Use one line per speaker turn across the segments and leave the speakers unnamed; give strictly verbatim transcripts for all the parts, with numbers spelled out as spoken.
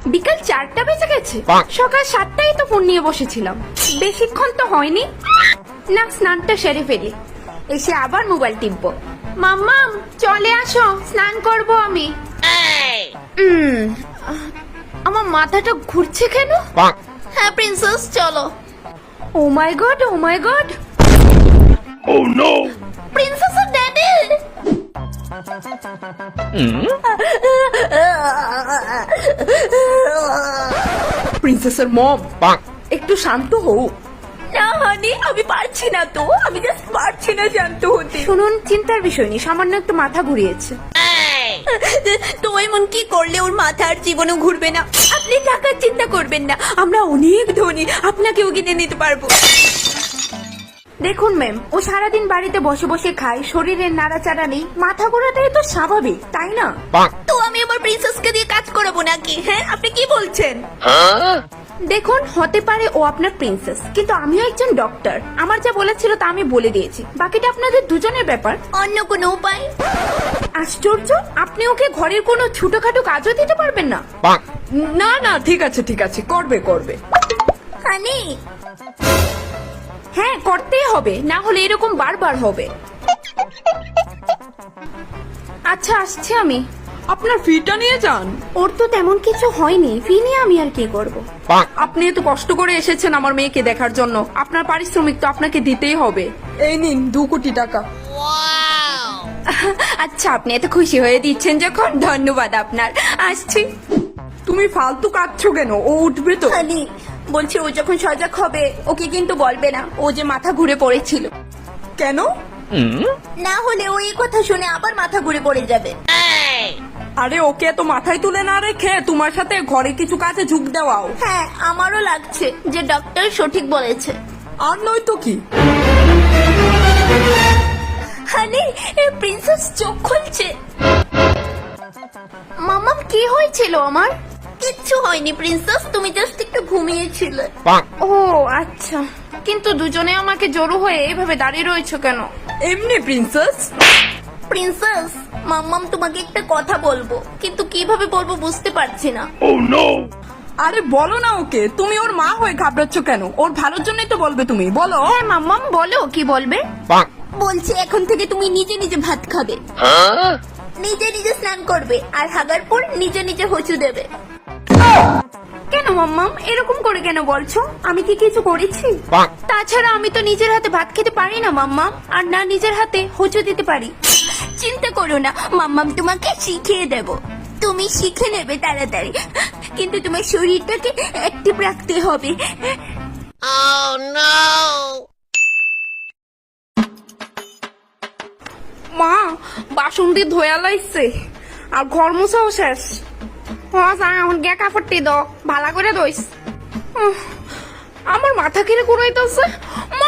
বিকাল চারটা বেজে গেছে, সকাল সাতটায় তো ফোন নিয়ে বসেছিলাম, বেশিক্ষণ তো হয়নি। না, স্নানটা সেরে ফেলি, এসে আবার মোবাইল টিপবো। মাম্মাম চলে আসো, স্নান করব আমি। উম, আমার মাথাটা ঘুরছে কেন?
হ্যাঁ প্রিন্সেস চলো।
Oh my god, oh my god,
Oh no!
Princess আর ড্যাডি।
প্রিন্সেসের মম, একটু শান্ত হও।
না হানি, আমি পারছি না তো, আমি জাস্ট পারছি না শান্ত হতে।
শুনুন, চিন্তার বিষয় নেই, সামান্য একটু মাথা ঘুরিয়েছে।
তো এমন কি করলে ওর মাথা আর জীবনও ঘুরবে না? আপনি টাকার চিন্তা করবেন না, আমরা অনেক ধনী, আপনাকেও কিনে নিতে পারবো।
দেখুন ম্যাম, ও সারাদিন বাড়িতে বসে বসে খায়, শরীরের নাড়াচাড়া নেই, মাথা ঘোরাটাই তো স্বাভাবিক, তাই না?
তো আমি আমার প্রিন্সেসকে দিয়ে কাজ করাবো নাকি? হ্যাঁ আপনি কি বলছেন?
দেখুন, হতে পারে ও আপনার প্রিন্সেস, কিন্তু আমিও একজন ডক্টর, আমার যা বলেছিল তা আমি বলে দিয়েছি, বাকিটা আপনাদের দুজনের ব্যাপার।
অন্য কোনো উপায়?
আশ্চর্য, আপনি ওকে ঘরের কোনো ছোটখাটো কাজও দিতে পারবেন না? না না, ঠিক আছে ঠিক আছে, করবে করবে।
হানি
হ্যাঁ, করতেই হবে, না হলে এরকম বারবার হবে। আচ্ছা, আসছি আমি।
আপনার ফিটা নিয়ে যান।
ওর তো তেমন কিছু হয়নি, ফি নিয়ে আমি আর কি করব।
আপনি এত কষ্ট করে এসেছেন আমার মেয়েকে দেখার জন্য, আপনার পারিশ্রমিক তো আপনাকে দিতেই হবে। এই নিন দু কোটি টাকা।
আচ্ছা, আপনি এত খুশি হয়ে দিচ্ছেন যখন, ধন্যবাদ আপনার, আসছি।
তুমি ফালতু কাঁদছো কেন? ও উঠবে তো।
হানি বলছি, ও যখন সজাগ হবে ওকে কিন্তু বলবে না ও যে মাথা ঘুরে পড়েছিল।
কেন?
না হলে ও এই কথা শুনে আবার মাথা ঘুরে পড়ে যাবে।
আরে ওকে তো মাথায় তুলে না রেখে তোমার সাথে ঘরে কিছু কাজে ঝুঁক দেওয়াও।
হ্যাঁ আমারও লাগছে যে ডক্টর সঠিক বলেছে।
আর নয় তো কি।
হানি, প্রিন্সেস চোখ খুলছে।
মামাম, কি হয়েছিল আমার?
কিচ্ছু হয়নি প্রিন্সেস, তুমি জাস্ট একটু ঘুমিয়েছিলে।
ও আচ্ছা, কিন্তু দুজনে আমাকে জড়ো হয়ে এভাবে দাঁড়িয়ে রয়েছে কেন?
এমনি প্রিন্সেস।
প্রিন্সেস, মাম্মাম তোমাকে একটা কথা বলবো, কিন্তু কিভাবে বলবো বুঝতে পারছি না।
Oh no!
আরে বলো না ওকে, তুমি ওর মা হয়ে ঘাবড়াচ্ছ কেন? ওর ভালোর জন্যই তো বলবে, তুমি বলো।
হ্যাঁ মাম্মাম, বলো কি বলবে।
বলছি এখন থেকে তুমি নিজে নিজে ভাত খাবে, নিজে নিজে স্নান করবে, আর হাগার পর নিজে নিজে হচু দেবে।
কেন মাম্মাম, এরকম করে কেন বলছো? আমি কি কিছু করেছি? তাছাড়া আমি তো নিজের হাতে ভাত খেতে পারি না মাম্মাম, আর না নিজের হাতে হোঁচট দিতে পারি।
চিন্তা করো না, মাম্মাম তোমাকে শিখিয়ে দেব, তুমি শিখে নেবে তাড়াতাড়ি, কিন্তু তোমার শরীরটাকে অ্যাক্টিভ রাখতে হবে।
মা, বাসন দিয়ে ধোয়া লাইছে আর ঘর মুছাও শেষ। এখন গে কাপড়টি দাও, ভালো করে দইস। উহ, আমার মাথা কিরে ঘুরাইতেছে। মা,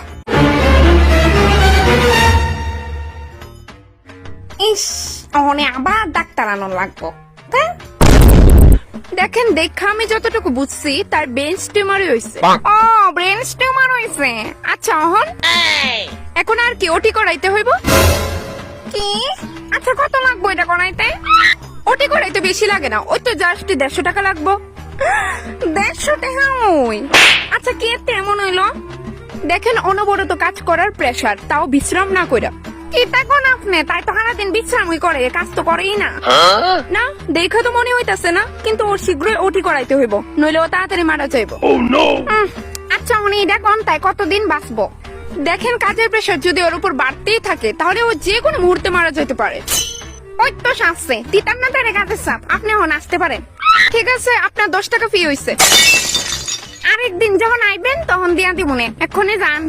ইস, অনে আবার ডাক্তার আনার লাগবো। তা? দেখেন, দেখা আমি যতটুকু বুঝছি তার ব্রেন টিউমারই হয়েছে। ও, ব্রেন টিউমার হয়েছে। আচ্ছা, অহন এখন আর কি ওটি করাইতে হইব? কি? আচ্ছা, কত লাগবো এটা করাইতে? ওটি করাইতে বেশি লাগে না, ওই তো জাস্ট দেড়শো টাকা লাগবো। দেড়শো টাকা? ওই আচ্ছা, কি এতে এমন হইলো? দেখেন, অনবরত কাজ করার প্রেসার, তাও বিশ্রাম না কইরা। কি দেখুন আপনি, তাই তো সারাদিন বিশ্রামই করে, কাজ তো করেই না। না, দেখে তো মনে হইতাছে না, কিন্তু ওর শীঘ্রই ওটি করাইতে হইব, নইলে ও তাড়াতাড়ি মারা যাইব।
Oh no!
আচ্ছা, উনি দেখুন তাই কতদিন বাঁচবো। দেখেন, কাজের প্রেসার যদি ওর উপর বাড়তেই থাকে তাহলে ও যে কোনো মুহূর্তে মারা যেতে পারে। ওই তো শাসছে, তিতার না তারে কাজের চাপ, আপনি এখন আসতে পারেন। ঠিক আছে, আপনার দশ টাকা ফি হইছে। আরেকদিন যখন আইবেন তখন দিয়া দিব মনে, এক্ষুনি যান।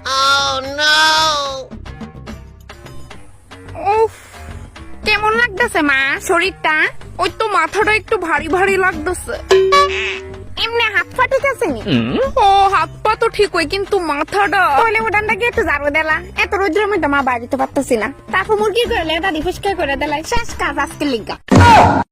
উফ, কেমন লাগতেছে মা শরীরটা? ওই তো মাথাটা একটু ভারী ভারী লাগতেছে। এমনি হাত পা ঠিক আছে নি? ও, হাত পা তো ঠিক হয়, কিন্তু মাথাটা। তাহলে ওটানটা কি একটু ঝাড়ু দিলা? এত রোদ্রের মধ্যে মা বাড়িতে পারতেছি না, তারপর মুরগি করলে এটা রিফ্রেশ করে দিলাই, শেষ কাজ আজকে লিগা।